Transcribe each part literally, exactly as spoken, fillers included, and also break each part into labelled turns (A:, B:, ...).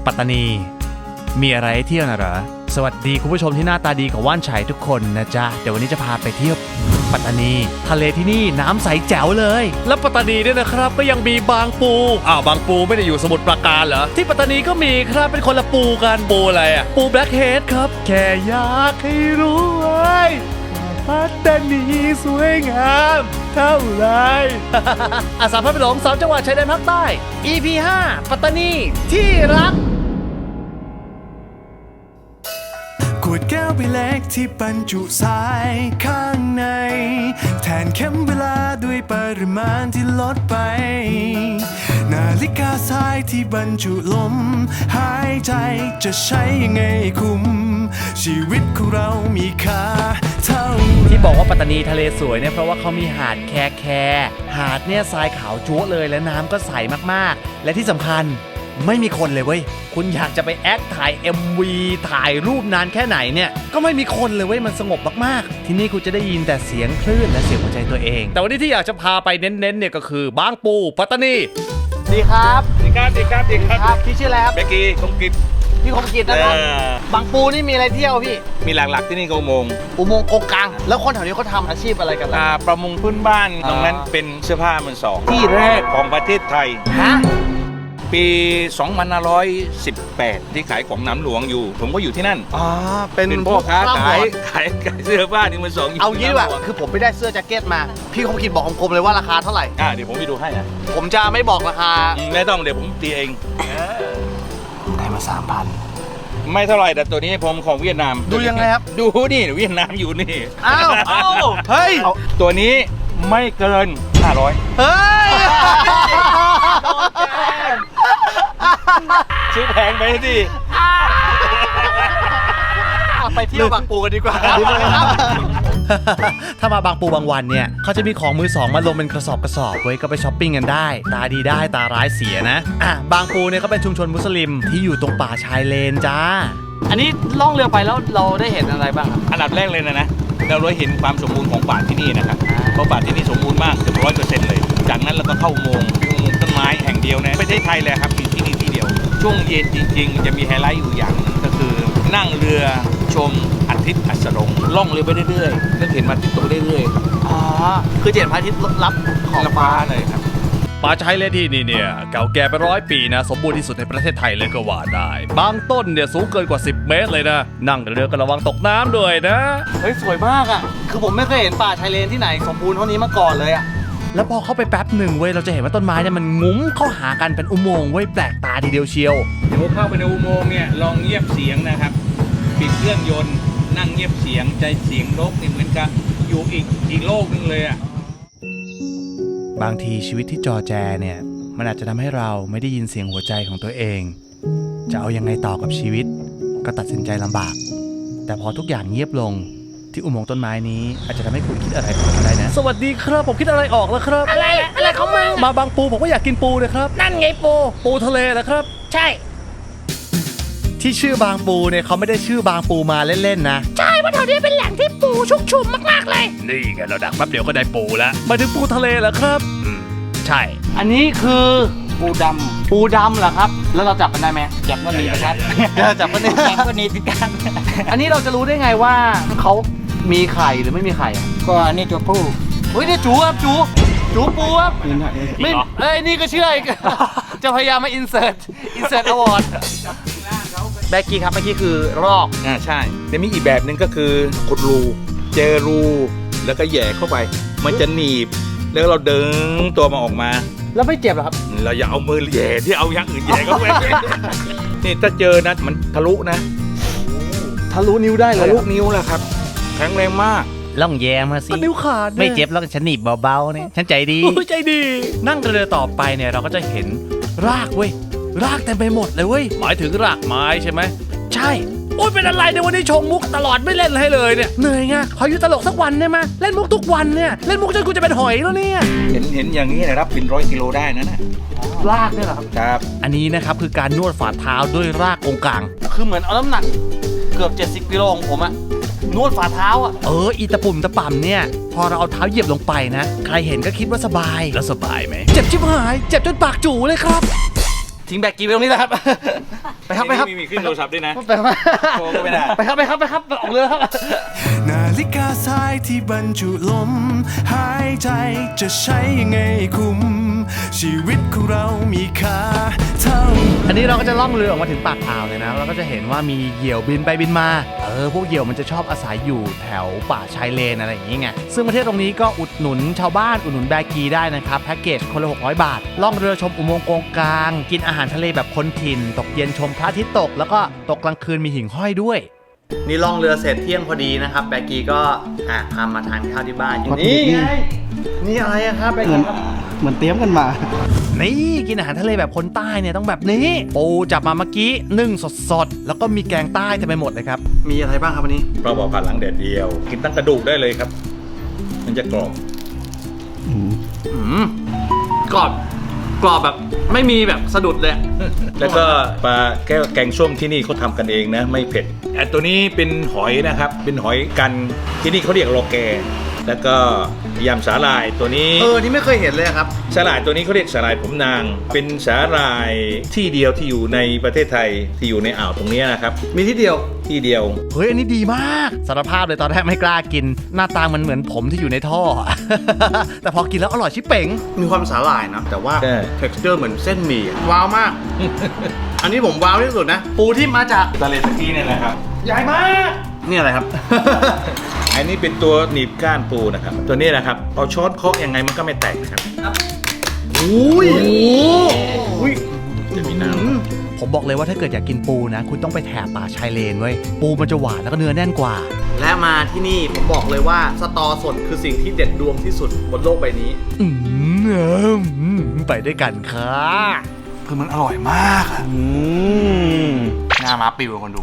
A: ปัตตานีมีอะไรให้เที่ยวนะเหรอสวัสดีคุณผู้ชมที่หน้าตาดีกับว่านไฉทุกคนนะจ๊ะเดี๋ยววันนี้จะพาไปเที่ยวปัตตานีทะเลที่นี่น้ำใสแจ๋วเลยและปัตตานีเนี่ยนะครับก็ยังมีบางปูอ้าวบางปูไม่ได้อยู่สมุทรปราการเหรอที่ปัตตานีก็มีครับเป็นคนละปูกันปูอะไรอ่ะปูแบล็คเฮดครับแค่อยากให้รู้ไว้ปัตตานีสวยงามเท่าไรอาสาพาไปหลงสามจังหวัดชายแดนภาคใต้ อี พี ห้า ปัตตานีที่รัก
B: ขวดแก้วใบเล็กที่บรรจุทรายข้างในแทนเข็มเวลาด้วยปริมาณที่ลดไปนาฬิกาทรายที่บรรจุลมหายใจจะใช้ยังไงคุ้มชีวิตของเรามีค่าเท่า
A: ที่บอกว่าปัตตานีทะเลสวยเนี่ยเพราะว่าเขามีหาดแคแคหาดเนี่ยทรายขาวจั๊วเลยและน้ำก็ใสมากๆและที่สำคัญไม่มีคนเลยเว้ยคุณอยากจะไปแอคถ่าย เอ็ม วี ถ่ายรูปนานแค่ไหนเนี่ยก็ไม่มีคนเลยเว้ยมันสงบมากๆที่นี่คุณจะได้ยินแต่เสียงคลื่นและเสียงหัวใจตัวเองแต่วันนี้ที่อยากจะพาไปเน้นๆเนี่ยก็คือบางปูปัตตานีดีครับ
C: ดีครับดีครับดีครับ
A: พี่ชื่ออะไรครับ
C: เบกกี้คงกิจ
A: พี่คมกิจนะครับบางปูนี่มีอะไรเที่ยวพี่
C: มีหลักๆที่นี่ก็อุโมงค์
A: อุโมงค์กงกลางแล้วคนแถวนี้เขาทำอาชีพอะไรกันล่ะ
C: ประมงพื้นบ้านตรงนั้นเป็นเสื้อผ้ามือสองที่แรกของประเทศไทย
A: ฮะ
C: ปี สองพันห้าร้อยสิบแปด ที่ขายของน้ำหลวงอยู่ผมก็อยู่ที่นั่น
A: อ๋อเป็น
C: พ่อค้าขายขายเสื้อผ้าที่มือสอง
A: เอางี้ดีกว่าคือผมไม่ได้เสื้อแจ็คเก็ตมาพี่คมกิจบอกผมเลยว่าราคาเท่าไหร่
C: อ่าเดี๋ยวผมไปดูให้นะ
A: ผมจะไม่บอกราคา
C: ไม่ต้องเดี๋ยวผมตีเอง
A: ได้มา สามพัน
C: ไม่เท่าไหร่แต่ตัวนี้ผมของเวียดนาม
A: ดูยังไงครับ
C: ดูนี่เวียดนามอยู่นี่
A: อ้าวเฮ้ย
C: ตัวนี้ไม่เกินห้าร้อย
A: เฮ้ย
C: ซื้อแพงไปสิ
A: ไปเที่ยวบางปูกันดีกว่าถ้ามาบางปูบางวันเนี่ยเขาจะมีของมือสองมาลงเป็นกระสอบกระสอบไว้ก็ไปช้อปปิ้งกันได้ตาดีได้ตาร้ายเสียนะอ่ะบางปูเนี่ยเขาเป็นชุมชนมุสลิมที่อยู่ตรงป่าชายเลนจ้าอันนี้ล่องเรือไปแล้วเราได้เห็นอะไรบ้างครับ
C: อันดับแรกเลยนะนะเราได้เห็นความสมบูรณ์ของป่าที่นี่นะครับเพราะป่าที่นี่สมบูรณ์มากเกือบร้อยเปอร์เซ็นต์เลยจากนั้นเราก็เข้าอุโมงค์อุโมงค์ต้นไม้แห่งเดียวในประเทศไทยเลยครับมีที่นี่ที่เดียวช่วงเย็นจริงๆจะมีไฮไลท์อยู่อย่างก็คือนั่งเรือชมอาทิตย์อัสดงล่องเรือไปเรื่อยๆแล้วเห็นมันติดตกเรื่อยๆ
A: อ๋อคือเห็นพระอาทิตย์ลับของ
C: ฟ้าเลยครับ
A: ป่าชายเลนที่นี่เนี่ยเก่าแก่เป็นร้อยปีนะสมบูรณ์ที่สุดในประเทศไทยเลยก็ว่าได้บางต้นเนี่ยสูงเกินกว่าสิบเมตรเลยนะนั่งเรือก็ระวังตกน้ำด้วยนะเฮ้ยสวยมากอ่ะคือผมไม่เคยเห็นป่าชายเลนที่ไหนสมบูรณ์เท่านี้มาก่อนเลยอ่ะแล้วพอเข้าไปแป๊บหนึ่งเว้ยเราจะเห็นว่าต้นไม้เนี่ยมันงุ้มเข้าหากันเป็นอุโมงค์เว้ยแปลกตาทีเดียวเชียว
C: เดี๋ยวเข้าไปในอุโมงค์เนี่ยลองเงียบเสียงนะครับปิดเครื่องยนต์นั่งเงียบเสียงใจเสียงนกนี่เหมือนกับอยู่อีกอีกโลกนึงเลยอ่ะ
A: บางทีชีวิตที่จอแจเนี่ยมันอาจจะทำให้เราไม่ได้ยินเสียงหัวใจของตัวเองจะเอายังไงต่อกับชีวิตก็ตัดสินใจลำบากแต่พอทุกอย่างเงียบลงที่อุโมงค์ต้นไม้นี้อาจจะทำให้คุณคิดอะไรออกก็ได้นะสวัสดีครับผมคิดอะไรออกแล้วครับ
D: อะไรอะไรของมึง
A: มาบางปูผมก็อยากกินปูเลยครับ
D: นั่นไงปู
A: ปูทะเลนะครับ
D: ใช่
A: ที่ชื่อบางปูเนี่ยเขาไม่ได้ชื่อบางปูมาเล่นๆนะ
D: ใช่ว่าแถวนี้เป็นแหล่งที่ปูชุกชุมมากๆเลย
A: นี่ไงเราดักแป๊บเดียวก็ได้ปูแล้วมาถึงปูทะเลแล้วครับอืมใช่อันนี้คือ
D: ปูดำ
A: ปูดำเหรอครับแล้วเราจับมันได้ไหม
D: จับก็หนีครับ
A: จับก็หนี
D: จับก็หนีพิการ
A: อันนี้เราจะรู้ได้ไงว่าเขามีไข่หรือไม่มีไข่
D: ก็อันนี้ตัวผู้
A: เฮ้ยนี่จูครับจูจูปูครับไม่เอ้ยนี่ก็เชื่ออีกจะพยายามมาอินเสิร์ตอินเสิร์ตอวอร์ดแบกกี้ครับเมื่อกี้คือรอก
C: อ่าใช่แต่มีอีกแบบหนึ่งก็คือขุดรูเจอรูแล้วก็แย่เข้าไปมันจะหนีบแล้วเราดึงตัวมาออกมา
A: แล้วไม่เจ็บหรอครับ
C: เราอย่าเอามือแย่ที่เอาอย่างอื่นแย่เข้าไปนี่ถ้าเจอนะมันทะลุนะ
A: ทะลุนิ้วได้เลย
C: ทะลุนิ้วแหละครับแข็งแรงมาก
A: ล่องแย่มาสิ
D: นิ้วขาด
A: ไม่เจ็บแล้วฉันหนีบเบาๆเนี่ยฉันใจดี
D: ใจดี
A: นั่งเรือต่อไปเนี่ยเราก็จะเห็นรากเว้ยรากเต็มไปหมดเลยเว้ยหมายถึงรากไม้ใช่ไหมใช่โอ๊ยเป็นอะไรในวันนี้ชงมุกตลอดไม่เล่นให้เลยเนี่ยเหนื่อยไงขออยู่ตลกสักวันได้ไหมเล่นมุกทุกวันเนี่ยเล่นมุกจนกูจะเป็นหอยแล้วเนี่ย
C: เห็นเห็นอย่างนี้นะครับเป็นร้อยกิโลได้นะน่ะ
A: รากเนี่ยเหรอครับ
C: ครับ
A: อันนี้นะครับคือการนวดฝ่าเท้าด้วยรากองกลางคือเหมือนเอาน้ำหนักเกือบเจ็ดสิบกิโลของผมอะนวดฝ่าเท้าอะเอออีตะปุ่มตะป่ำเนี่ยพอเราเอาเท้าเหยียบลงไปนะใครเห็นก็คิดว่าสบายแล้วสบายไหมเจ็บชิบหายเจ็บจนปากจู่เลยครับทิ้งแบกกี้ไปตรงนี้แหละครับไปครับไปครับ
C: มีมีขึ้นโทรศัพท์ด้วยนะ
A: ไปครับ
C: โทรก็ไม่ได้
A: ไปครับไปครับไปครับออกเรือครับ
B: นาฬิกาทรายที่บรรจุลมหายใจจะใช้ยังไงคุม ชีวิตของเรามีค่าเท่า
A: อันนี้เราก็จะล่องเรือออกมาถึงปากอ่าวเลยนะเราก็จะเห็นว่ามีเหยี่ยวบินไปบินมาเออพวกเหยี่ยวมันจะชอบอาศัยอยู่แถวป่าชายเลนอะไรอย่างงี้ไงซึ่งประเทศตรงนี้ก็อุดหนุนชาวบ้านอุดหนุนแบกีได้นะครับแพ็กเกจคนละหกร้อยบาทล่องเรือชมอุโมงค์โกงกลางกินอาหารทะเลแบบคนถิ่นตกเย็นชมพระอาทิตย์ตกแล้วก็ตกกลางคืนมีหิ่งห้อยด้วยนี่ล่องเรือเสร็จเที่ยงพอดีนะครับแบกีก็อ่ะพามาทานข้าวที่บ้านนี่ไงนี่อะไรอะครับแบกีครับ
D: เหมือนเตรียมกันมา
A: นี่กินอาหารทะเลแบบคนใต้เนี่ยต้องแบบนี้ปูจับมาเมื่อกี้นึ่งสดๆแล้วก็มีแกงใต้เต็มไปหมดเลยครับมีอะไรบ้างครับวันนี้
C: ปลาบอกผัดหลังแดดเดียว กินตั้งกระดูกได้เลยครับ มันจะกรอบ
A: อืมกรอบกรอบแบบไม่มีแบบสะดุดเลย
C: แล้วก็ปลาแก้วแกงส้มที่นี่เขาทำกันเองนะ ไม่เผ็ดไอ้ตัวนี้เป็นหอยนะครับ เป็นหอยกันที่นี่เขาเรียกโลแก แล้วก็ยำสาหร่ายตัวนี้
A: เออนี่ไม่เคยเห็นเลยครับ
C: สาหร่ายตัวนี้เขาเรียกสาหร่ายผมนาง เป็นสาหร่ายที่เดียวที่อยู่ในประเทศไทยที่อยู่ในอ่าวตรงนี้นะครับ
A: มีที่เดียว
C: ที่เดียว
A: เฮ้ยอันนี้ดีมากสารภาพเลยตอนแรกไม่กล้ากิน หน้าตามันเหมือนผมที่อยู่ในท่อ แต่พอกินแล้วอร่อยชิบเป๋งมีความสาหร่ายนะแต่ว่า
C: ใช่
A: texture เหมือนเส้นหมี่ว้าวมาก อันนี้ผมว้าวที่สุดนะปูที่มาจาก
C: ทะเลตะกี้เนี่ยนะครับ
A: ใหญ่มากนี่อะไรครับ
C: อันนี้เป็นตัวหนีบก้านปูนะครับ ตัวนี้นะครับเอาช้อนเคาะยังไงมันก็ไม่แตกนะครับ
A: อุ้ยอุ้ย
C: จะมีน้ำ
A: ผมบอกเลยว่าถ้าเกิดอยากกินปูนะ คุณต้องไปแถบป่าชายเลนเว้ยปูมันจะหวานแล้วก็เนื้อแน่นกว่า และมาที่นี่ผมบอกเลยว่าสตอสดคือสิ่งที่เด็ดดวงที่สุดบนโลกใบนี้ อืมไปด้วยกันค่ะคือมันอร่อยมากอ่ะหน้ามาปิวคนดู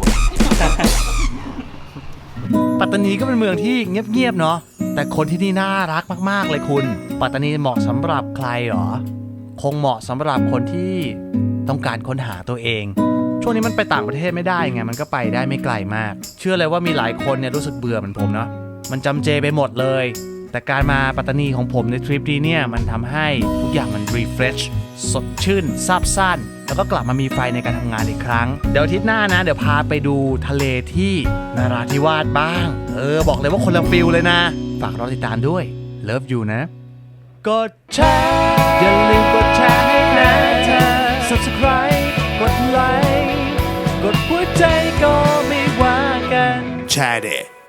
A: ปัตตานีก็เป็นเมืองที่เงียบๆเนาะแต่คนที่นี่น่ารักมากๆเลยคุณปัตตานีเหมาะสำหรับใครหรอคงเหมาะสำหรับคนที่ต้องการค้นหาตัวเองช่วงนี้มันไปต่างประเทศไม่ได้ไงมันก็ไปได้ไม่ไกลมากเชื่อเลยว่ามีหลายคนเนี่ยรู้สึกเบื่อเหมือนผมเนาะมันจำเจไปหมดเลยแต่การมาปัตตานีของผมในทริปนี้เนี่ยมันทำให้ทุกอย่างมันรีเฟรชสดชื่นซาบซ่านแล้วก็กลับมามีไฟในการทำงานอีกครั้งเดี๋ยวอาทิตย์หน้านะเดี๋ยวพาไปดูทะเลที่นราธิวาสบ้างเออบอกเลยว่าคนละฟิลเลยนะฝากรอติดตามด้วยเลิฟยูนะกดแชร์อย่าลืมกดแชร์ให้นะเธอ subscribe กดไลค์กดหัวใจก็ไม่ว่ากัน
B: แชร์เด